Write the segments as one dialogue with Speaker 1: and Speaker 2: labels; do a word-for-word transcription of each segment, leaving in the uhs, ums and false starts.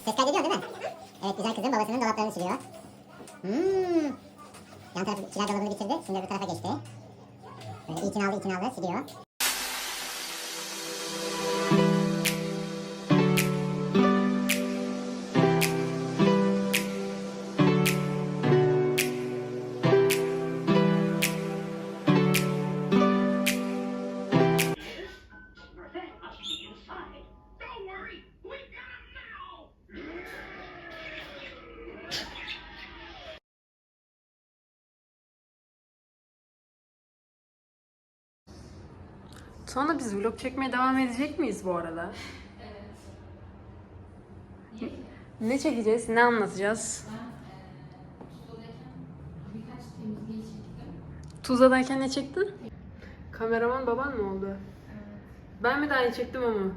Speaker 1: Ses kaydediyor değil mi? Evet, güzel kızım babasının dolaplarını siliyor. Hmm. Yan tarafı kiler dolabını bitirdi. Şimdi öbür tarafa geçti. Böyle itinalı itinalı siliyor.
Speaker 2: Sonra biz vlog çekmeye devam edecek miyiz bu arada? Evet. Ne çekeceğiz? Ne anlatacağız? Tuzla'dayken ne çektin? Kameraman baban mı oldu? Evet. Ben mi daha iyi çektim ama?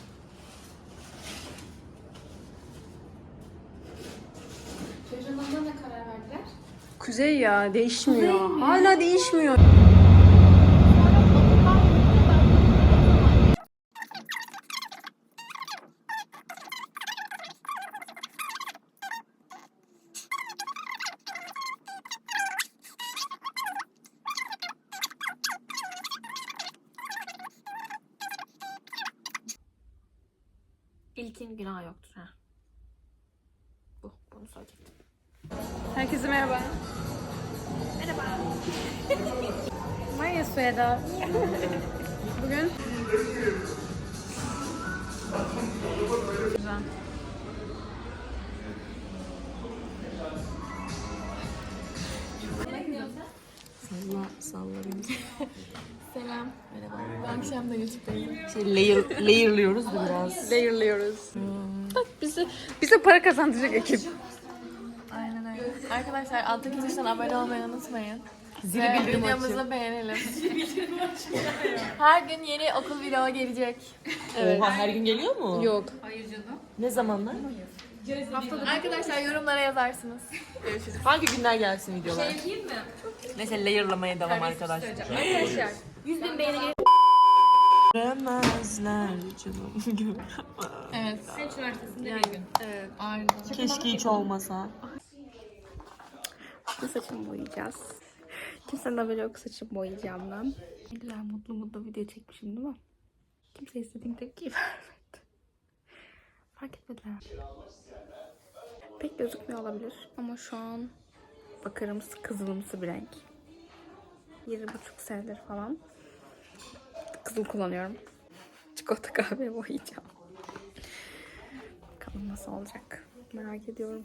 Speaker 3: Çocuğun adına ne karar verdiler?
Speaker 2: Kuzey ya değişmiyor. Kuzey Hala değişmiyor.
Speaker 3: İlkin günah yoktur ha. Bu, bunu söyleyecektim.
Speaker 2: Herkese merhaba.
Speaker 3: Merhaba.
Speaker 2: Maya Sueda. Bugün güzel.
Speaker 3: Salla, salla beni. Selam. Merhaba. Bu akşam da YouTube'dayım.
Speaker 4: Şey, layer, layer'lıyoruz da biraz.
Speaker 2: Layer'lıyoruz. Bak bize bize para kazandıracak ekip.
Speaker 3: Aynen öyle. Arkadaşlar alttaki tuştan abone olmayı unutmayın.
Speaker 4: Zili
Speaker 3: Ve
Speaker 4: bildirim
Speaker 3: videomuzu beğenelim. Her gün yeni okul vlogu gelecek.
Speaker 2: Evet.
Speaker 4: Oha, her gün geliyor mu?
Speaker 2: Yok.
Speaker 4: Ne zamanlar?
Speaker 3: Arkadaşlar yorumlara yazarsınız. Görüşürüz.
Speaker 4: Hangi günler gelsin videolar?
Speaker 3: Şey diyeyim mi?
Speaker 4: Neyse layer'lamaya devam arkadaşlar.
Speaker 3: Arkadaşlar yüz bin beğeni gelir.
Speaker 4: Göremezler canım.
Speaker 3: Evet. Seç üniversitesinde yani, bir gün.
Speaker 2: Evet.
Speaker 3: Ağrı'da.
Speaker 4: Keşke hiç olmasa.
Speaker 5: Bu saçımı boyayacağız. Kimsenin haberi yok saçımı boyayacağımdan. Ne güzel mutlu mutlu video çekmişim değil mi? Kimse istediğim tepkiyi vermedi. Fark etmediler. Pek gözükmüyor olabilir ama şu an bakırımsı kızılımsı bir renk. Yedi buçuk senedir falan kızıl kullanıyorum. Çikolata kahve boyayacağım. Bakalım nasıl olacak. Merak ediyorum.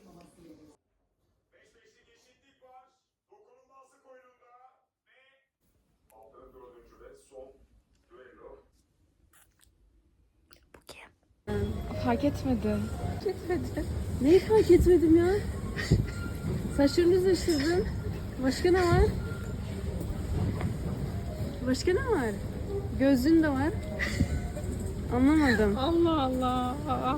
Speaker 5: Bu kim?
Speaker 2: Fark etmedim. Fark etmedim. Neyi fark etmedim ya? Saçlarını düzleştirdin. Başka ne var? Başka ne var? Gözlüğün de var. Anlamadım.
Speaker 5: Allah Allah.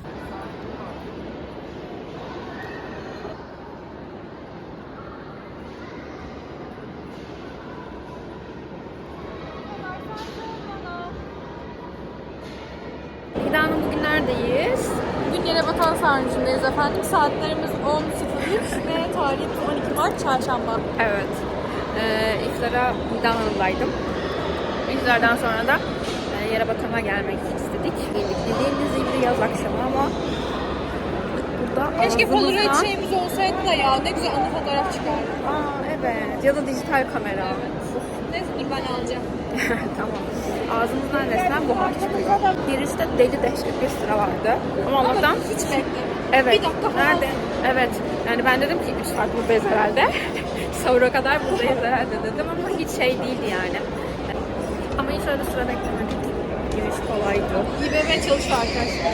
Speaker 3: Gida'nın bugünlerdeyiz. Bugün Yerebatan Sarnıcı'ndayız efendim. Saatlerimiz on sıfır üç ve tarihimiz on iki Mart Çarşamba.
Speaker 5: Evet. Ee, iftara Hidal Hanım'daydım. İftardan sonra da e, Yerebatan'a gelmek istedik. Geldik dediğimiz gibi yaz akşamı ama burada
Speaker 3: Keşke
Speaker 5: ağzımızdan...
Speaker 3: Polaroid şeyimiz olsaydı da ya. Ne güzel anı fotoğraf çıkardı.
Speaker 5: Aa evet. Ya da dijital kamera.
Speaker 3: Neyse dur ben alacağım.
Speaker 5: Tamam. Ağzımızdan resmen buhar çıkıyor. Girişte deli dehşet bir sıra vardı. Ama Allah'tan
Speaker 3: Hiç beklemedim.
Speaker 5: evet.
Speaker 3: Bir dakika falan.
Speaker 5: Nerede? Evet. Yani ben dedim ki üç saat buradayız herhalde. Sahura kadar buradayız herhalde dedim ama hiç şey değildi yani. Ama hiç öyle sıra beklemedik. Giriş kolaydı.
Speaker 3: İBB çalışıyor arkadaşlar.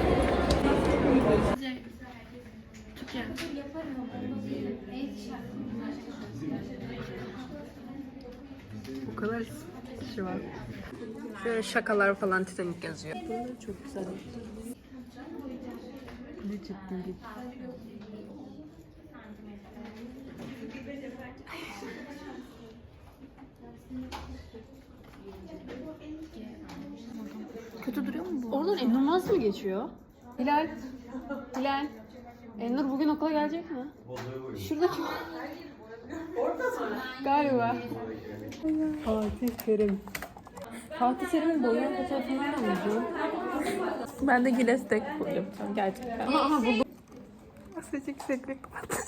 Speaker 2: Bu kadar kişi var. Şöyle şakalar falan Titanic yazıyor.
Speaker 4: Bunlar çok güzel. Ne ciddi.
Speaker 5: Kötü duruyor mu bu?
Speaker 2: Oradan inanılmaz mı geçiyor? Hilal. Hilal. Ennur bugün okula gelecek mi? Şurada kim? Orada mı? Galiba. Fatih Terim. Fatih Terim'in boyayan fotoğrafını nereden buldun?
Speaker 3: Ben de Giles tek yapacağım gerçekten.
Speaker 2: Aha, aha buldum.
Speaker 3: Nasıl yükseklik kapat.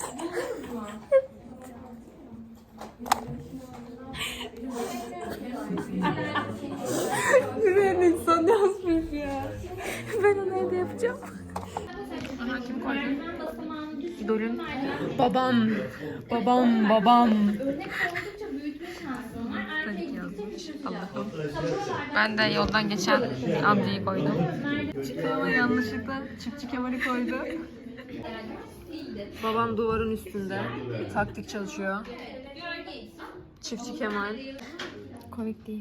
Speaker 3: Yüreğin insan yazmış ya. Ben onu evde yapacağım. Aha kim koydu? İdolün. Babam. Babam babam. Tabii ki yazmış. Allah'ım. Ben de yoldan geçen amcayı koydum. Çıkama yanlışlıkla Çiftçi Kemal'i koydu. Babam duvarın üstünde. Taktik çalışıyor. Çiftçi Kemal. Komik değil.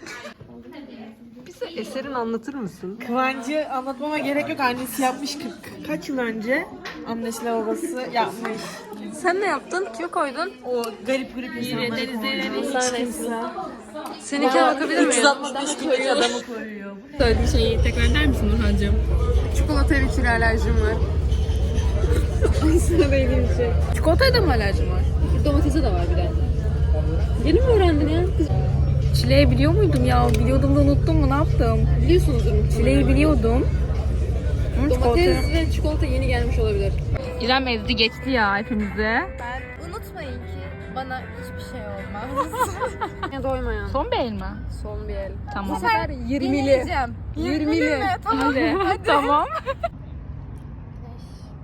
Speaker 3: Bize eserin anlatır mısın?
Speaker 4: Kıvancı anlatmama gerek yok. Annesi yapmış kırk kaç yıl önce. Annesiyle babası yapmış.
Speaker 3: Sen ne yaptın? Kime koydun?
Speaker 4: O garip garip insanları koyuyor. Hiç kimse.
Speaker 3: Seninkine bakabilir miyim?
Speaker 4: üç yüz altmış beş kiloluk adamı koyuyor.
Speaker 3: Söylediğin şeyi tekrar eder misin Nurhan'cığım? Çikolataya bir kilo alerjim var. Ay sana değdiğim şey. Çikolataya da mı alerjim var?
Speaker 2: Domatese de var bir de. Yeni mi öğrendin ya? Kız
Speaker 3: Çileği biliyor muydum ya? Biliyordum da unuttum mu? Ne yaptım?
Speaker 2: biliyorsunuzdur muhtemelen.
Speaker 3: Çileği biliyordum. Hı,
Speaker 2: Domates ve çikolata yeni gelmiş olabilir.
Speaker 3: İrem ezdi geçti ya hepimize.
Speaker 5: Unutmayın ki bana hiçbir şey olmaz.
Speaker 2: Ya doymayan.
Speaker 3: Son bir el mi?
Speaker 2: Son bir el.
Speaker 3: Tamam.
Speaker 2: Bu sefer yirmili.
Speaker 5: Yenileceğim.
Speaker 2: Yirmili.
Speaker 3: Hadi. Tamam.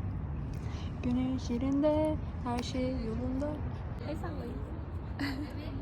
Speaker 3: Güneş yerinde, her şey yolunda.
Speaker 5: El sallayın.